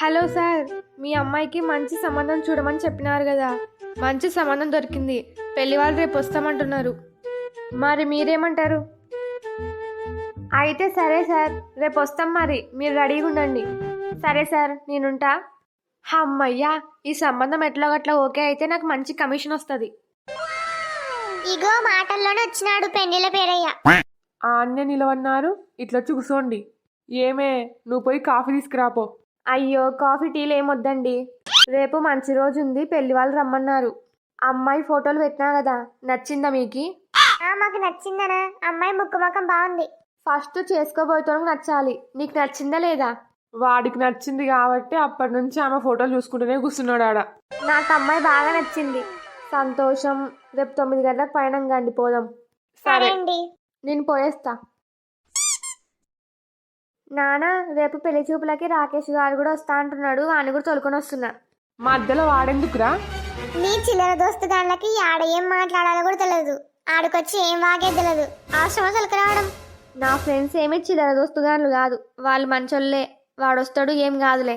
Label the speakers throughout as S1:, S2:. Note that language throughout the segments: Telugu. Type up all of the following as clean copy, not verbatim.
S1: హలో సార్, మీ అమ్మాయికి మంచి సంబంధం చూడమని చెప్పినారు కదా. మంచి సంబంధం దొరికింది. పెళ్లి వాళ్ళు రేపు వస్తామంటున్నారు. మరి మీరేమంటారు? అయితే సరే సార్, రేపు వస్తాం. మరి మీరు రెడీగా ఉండండి. సరే సార్, నేనుంటా. అమ్మయ్యా, ఈ సంబంధం ఎట్లా గట్లా ఓకే అయితే నాకు మంచి కమిషన్ వస్తుంది.
S2: ఇగో మాటల్లోనే వచ్చినాడు పెండిల పేరయ్య.
S1: ఆన్నే నిలవన్నారు, ఇట్లా కూసోండి. ఏమే, నువ్వు పోయి కాఫీ తీసుకురాపో. అయ్యో, కాఫీ టీలు ఏమొద్దండి. రేపు మంచి రోజు ఉంది, పెళ్లి వాళ్ళు రమ్మన్నారు. అమ్మాయి ఫోటోలు పెట్టినా కదా, నచ్చిందా మీకు?
S2: మాకు నచ్చిందనా? అమ్మాయి ముక్కు ముఖం బాగుంది.
S1: ఫస్ట్ చేసుకోబోయేటోనికి నచ్చాలి. నీకు నచ్చిందా లేదా? వాడికి నచ్చింది కాబట్టి అప్పటి నుంచి ఆమె ఫోటోలు చూసుకుంటూనే కూర్చున్నాడు ఆడ. నాకు అమ్మాయి బాగా నచ్చింది. సంతోషం. రేపు 9 గంటలకు పైన గండి పోదాం.
S2: సరే అండి,
S1: నేను పోయేస్తా. నానా, రేపు పెళ్లి చూపులకి రాకేష్ గారు కూడా వస్తా అంటున్నాడు. వాడిని కూడా తోలుకొని వస్తున్నా. మధ్యలో వాడెందుకురా?
S2: నీ చిల్లర దోస్తు గాళ్ళకి ఆడ ఏం మాట్లాడాలో కూడా తెలియదు. ఆడికొచ్చి ఏం వాగే తెలియదు. అవసరమా తొలక రావడం?
S1: నా ఫ్రెండ్స్ ఏమీ చిల్లర దోస్తుగాన్లు కాదు, వాళ్ళు మంచోళ్ళే. వాడొస్తాడు, ఏం కాదులే.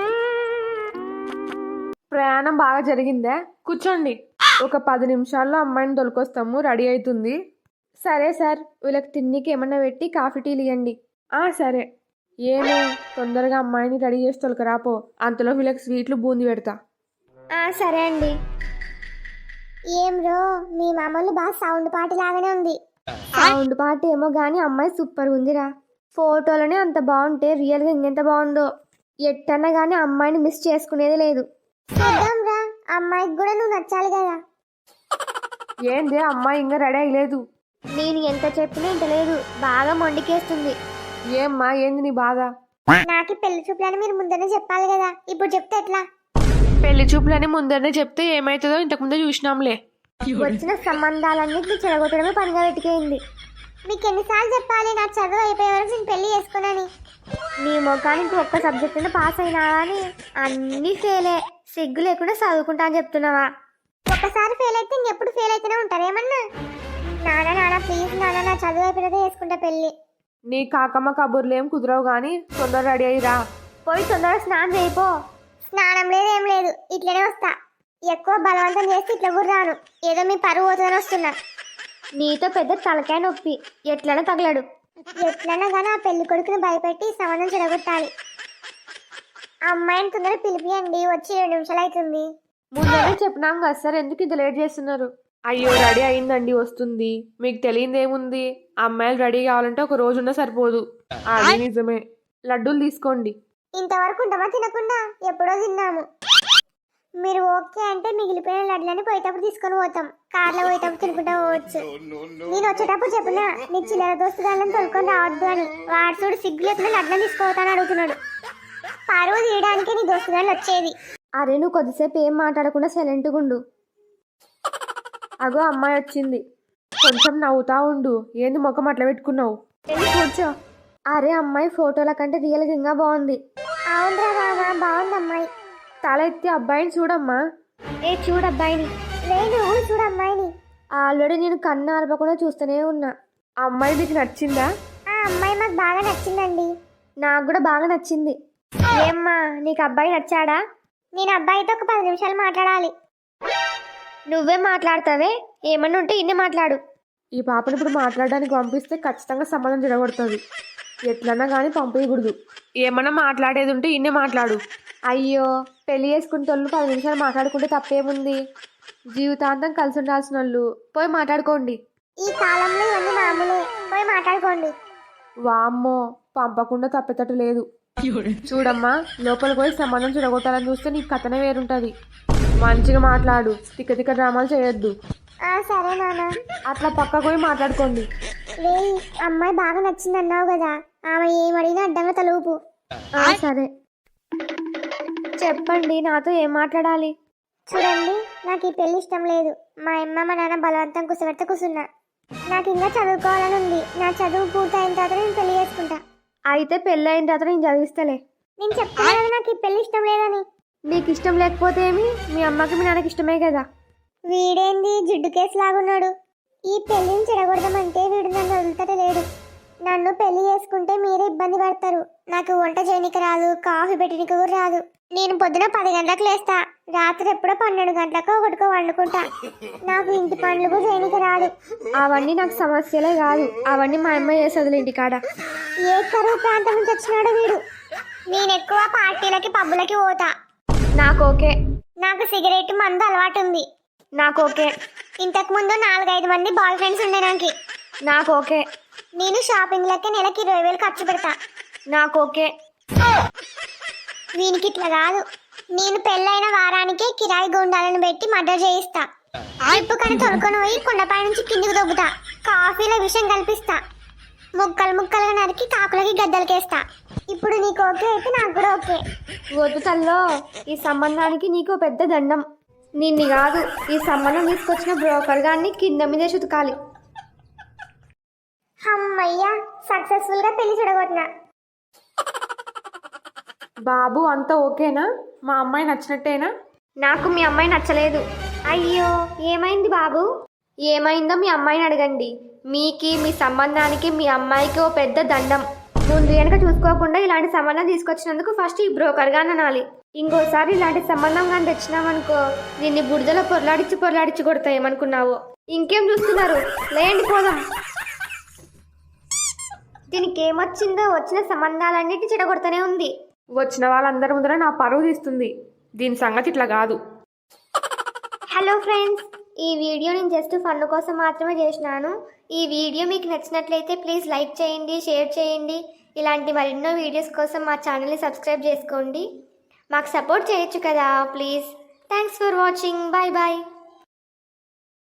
S1: ప్రయాణం బాగా జరిగిందే. కూర్చోండి. ఒక 10 నిమిషాల్లో అమ్మాయిని తొలకొస్తాము, రెడీ అవుతుంది. సరే సార్, వీళ్ళకి తిన్నికి ఏమన్నా పెట్టి కాఫీ టీలు ఇవ్వండి. సరే. ఏమో, తొందరగా అమ్మాయిని రెడీ చేసి తొలకరాపో. అంతలో వీళ్ళకి స్వీట్లు బూంది పెడతా.
S2: సరే అండి. ఏం రో, మీ మామూలు బాగా సౌండ్ పార్టీ లాగానే ఉంది.
S1: సౌండ్ పార్టీ ఏమో గానీ అమ్మాయి సూపర్ ఉందిరా. ఫోటోలోనే అంత బాగుంటే రియల్గా ఇంకెంత బాగుందో. ఎట్టన్నా కానీ అమ్మాయిని మిస్ చేసుకునేది లేదు.
S2: చూద్దాం రా, అమ్మాయికి కూడా నువ్వు నచ్చాలి కదా.
S1: ఏంది, అమ్మాయి ఇంకా రెడీ అయ్యలేదు?
S2: నేను ఎంత చెప్పినా ఇంత లేదు, బాగా మొండికేస్తుంది.
S1: ఏమ్మా, ఏంది నీ బాధ?
S2: నాకు పెళ్లి చూపులని మీరు ముందనే చెప్పాలి కదా, ఇప్పుడు చెప్తే ఎట్లా?
S1: పెళ్లి చూపులని ముందరనే చెప్తే ఏమైతుందో ఇంతకుముందే చూసినాంలే.
S2: వచ్చిన సంబంధాలన్నింటినీ చెడగొట్టడమే పనిగా వెతికేయింది. మీకు ఎన్నిసార్లు చెప్పాలి నా చదువు అయిపోయే వరకు నేను పెళ్లి చేసుకున్నాను?
S1: నీ ముఖానికి ఒక్క సబ్జెక్ట్ పాస్ అయినా కానీ అన్నీ ఫెయిలే. సిగ్గు లేకుండా చదువుకుంటా అని చెప్తున్నావా?
S2: ఒక్కసారి ఫెయిల్ అయితే ఇంకెప్పుడు ఫెయిల్ అయితేనే ఉంటారు. ఏమన్నా నాన్న ప్లీజ్ నాన్న, నా చదువు అయిపోయినదే చేసుకుంటా పెళ్లి.
S1: నీ కాకమ్మ కబుర్లు ఏం కుదరవు కానీ తొందర రెడీ అయ్యిరా. పోయి తొందరగా స్నానం చేయిపో.
S2: స్నానం లేదు ఏం లేదు, ఇట్లనే వస్తా. ఎక్కువ బలవంతం చేస్తే ఇట్లా కూడా రాను. ఏదో మీ పరువు పోతుందని వస్తున్నా.
S1: నీతో పెద్ద తలకాయ నొప్పి, ఎట్లనే తగలడు.
S2: ఎట్లన్నా కానీ ఆ పెళ్లి కొడుకుని భయపెట్టి సంబంధం చెడగొట్టాలి. అమ్మాయిని తొందర పిలిపియండి, వచ్చి 2 నిమిషాలు అవుతుంది.
S1: ముందరే చెప్పినాం కదా సార్, ఎందుకు ఇంత లేట్ చేస్తున్నారు? అయ్యో, రెడీ అయిందండి, వస్తుంది. మీకు తెలియదు ఏముంది, అమ్మాయిలు రెడీ కావాలంటే ఒక రోజు ఉన్నా సరిపోదు. అది నిజమే. లడ్డూలు తీసుకోండి.
S2: ఇంతవరకు ఉంటామా తినకుండా? ఎప్పుడో తిన్నాము. మీరు ఓకే అంటే మిగిలిపోయిన లడ్లని పోయేటప్పుడు తీసుకొని పోతాం. కార్లో పోయేటప్పుడు తినుకుంటా పోవచ్చు. నేను వచ్చేటప్పుడు చెప్పినా నీ చిల్లర దోస్తు గాళ్ళని తొలుకొని రావద్దు అని. వాడు చూడు సిగ్గు లేకుండా లడ్లను తీసుకోవతాను అడుగుతున్నాడు. పరువు తీయడానికి నీ దోస్తు గాళ్ళు వచ్చేది.
S1: అరే, నువ్వు కొద్దిసేపు ఏం మాట్లాడకుండా సైలెంట్గా ఉండు. అగో, అమ్మాయి వచ్చింది. కొంచెం నవ్వుతా ఉండు. ఏంది ముఖం అట్లా పెట్టుకున్నావు? కూర్చో. అరే, అమ్మాయి ఫోటోల కంటే రియల్గా ఇంకా బాగుంది.
S2: అవునరా బాబా, బాగుంది అమ్మాయి.
S1: తల ఎత్తి అబ్బాయిని చూడమ్మా.
S2: చూడు అబ్బాయిని. లేదు, చూడు అమ్మాయిని.
S1: ఆల్రెడీ నేను కన్ను ఆర్పకుండా చూస్తూనే ఉన్నా. ఆ అమ్మాయి నీకు నచ్చిందా?
S2: ఆ అమ్మాయి మాకు బాగా నచ్చిందండి.
S1: నాకు కూడా బాగా నచ్చింది. ఏమ్మా, నీకు అబ్బాయి నచ్చాడా?
S2: నేను అబ్బాయితో ఒక 10 నిమిషాలు మాట్లాడాలి.
S1: నువ్వే మాట్లాడతావే? ఏమన్నా ఉంటే ఇన్నే మాట్లాడు. ఈ పాపను ఇప్పుడు మాట్లాడడానికి పంపిస్తే ఖచ్చితంగా సంబంధం జరగబడుతుంది. ఎట్లన్నా కానీ పంపించకూడదు. ఏమన్నా మాట్లాడేది ఉంటే ఇన్నే మాట్లాడు. అయ్యో, పెళ్లి చేసుకునే వాళ్ళు 10 నిమిషాలు మాట్లాడుకుంటే తప్పేముంది? జీవితాంతం కలిసి ఉండాల్సిన వాళ్ళు. పోయి మాట్లాడుకోండి.
S2: ఈ కాలంలో ఇవన్నీ మామూలే, పోయి మాట్లాడుకోండి.
S1: వామ్మో, పంపకుండా తప్పేటట్టు లేదు. చూడమ్మా, లోపలికి పోయి సంబంధం చెడగొట్టాలని చూస్తే నీకు కథనే వేరుంటది. మంచిగా మాట్లాడు, తిక్క తిక్క డ్రామాలు చేయొద్దు.
S2: సరే నాన్న.
S1: అట్లా పక్కకు పోయి మాట్లాడుకోండి.
S2: అమ్మాయి బాగా నచ్చింది అన్నావు కదా, ఆమె ఏమడిగినా అడ్డంగా తలుపు.
S1: సరే, చెప్పండి, నాతో ఏం మాట్లాడాలి?
S2: చూడండి, నాకు ఈ పెళ్లి ఇష్టం లేదు. మా అమ్మ మా నాన్న బలవంతం కూర్చోబెడితే కూర్చున్నా. నాకు ఇంకా చదువుకోవాలని ఉంది. నా చదువు పూర్తయిన తర్వాత నేను పెళ్లి చేసుకుంటా.
S1: అయితే పెళ్ళి అయిన తర్వాత నేను చదివిస్తలే.
S2: నేను చెప్తాను నాకు ఈ పెళ్లి ఇష్టం లేదని.
S1: నీకు ఇష్టం లేకపోతే ఏమి? మీ అమ్మకి మీ నాన్నకి ఇష్టమే కదా.
S2: వీడేంది జిడ్డు కేసు లాగున్నాడు? ఈ పెళ్లిని చెడగొడదామంటే వీడు నన్ను వదులుతాడే లేడు. నన్ను పెళ్లి చేసుకుంటే మీరే ఇబ్బంది పడతారు. నాకు వంట చేయనికి రాదు, కాఫీ పెట్టడానికి కూడా రాదు. నేను పొద్దున 10 గంటలకు లేస్తా, రాత్రి ఎప్పుడో 12 గంటలకు ఒకటికో వండుకుంటా. నాకు ఇంటి పనులు కూడా చేయనికి రాదు.
S1: అవన్నీ నాకు సమస్యలే కాదు, అవన్నీ మా అమ్మ చేసేది ఇంటికాడ.
S2: ఏ కరువు ప్రాంతం నుంచి వచ్చినాడు వీడు. నేను ఎక్కువ పార్టీలకి పబ్బులకి పోతా.
S1: నాకు ఓకే.
S2: నాకు సిగరెట్ మందు అలవాటు ఉంది.
S1: నాకు ఓకే.
S2: ఇంతకు ముందు 4-5 మంది బాయ్ ఫ్రెండ్స్ ఉండే
S1: నాకు ఓకే.
S2: నేను షాపింగ్లకి నెలకి 20,000 ఖర్చు పెడతా.
S1: నాకు ఓకే.
S2: వీనికి ఇట్లా కాదు. నేను పెళ్ళైన వారానికే కిరాయి గుండాలను పెట్టి మర్డర్ చేయిస్తా. జిప్పు కని తొలుకొని పోయి కొండపై నుంచి కిందికి దొబ్బుతా. కాఫీలో విషం కల్పిస్తా. ముక్కలు ముక్కలుగా నరికి కాకులకి గద్దలకేస్తా. ఇప్పుడు నీకు ఓకే అయితే నాకు కూడా ఓకే.
S1: వద్దు తల్లో, ఈ సంబంధానికి నీకు పెద్ద దండం. నిన్ను కాదు, ఈ సంబంధం తీసుకొచ్చిన బ్రోకర్ గారిని కింద మీదే చుతకాలి.
S2: అమ్మయ్యా, సక్సెస్ఫుల్ గా పెళ్లి చూడగొట్టినా.
S1: బాబు అంతా ఓకేనా? మా అమ్మాయి నచ్చినట్టేనా? నాకు మీ అమ్మాయి నచ్చలేదు.
S2: అయ్యో, ఏమైంది బాబు?
S1: ఏమైందో మీ అమ్మాయిని అడగండి. మీకి మీ సంబంధానికి మీ అమ్మాయికి ఓ పెద్ద దండం. ముందు వెనక చూసుకోకుండా ఇలాంటి సంబంధం తీసుకొచ్చినందుకు ఫస్ట్ ఈ బ్రోకర్ గా అనాలి. ఇంకోసారి ఇలాంటి సంబంధం కానీ తెచ్చినామనుకో, నిన్ను బుడిదలో పొరలాడిచ్చి కొడతా. ఏమనుకున్నావో? ఇంకేం చూస్తున్నారు? లేండి పోదాం.
S2: దీనికి ఏమొచ్చిందో వచ్చిన సంబంధాలన్నిటి చెడగొడతానే ఉంది.
S1: వచ్చిన వాళ్ళందరి ముందర నా పరువు తీస్తుంది. దీని సంగతి ఇట్లా కాదు.
S2: హలో ఫ్రెండ్స్, ఈ వీడియో నేను జస్ట్ ఫన్ కోసం మాత్రమే చేసినాను. ఈ వీడియో మీకు నచ్చినట్లయితే ప్లీజ్ లైక్ చేయండి, షేర్ చేయండి. ఇలాంటి మరెన్నో వీడియోస్ కోసం మా ఛానల్ని సబ్స్క్రైబ్ చేసుకోండి. మాకు సపోర్ట్ చేయొచ్చు కదా please. Thanks for watching. Bye bye.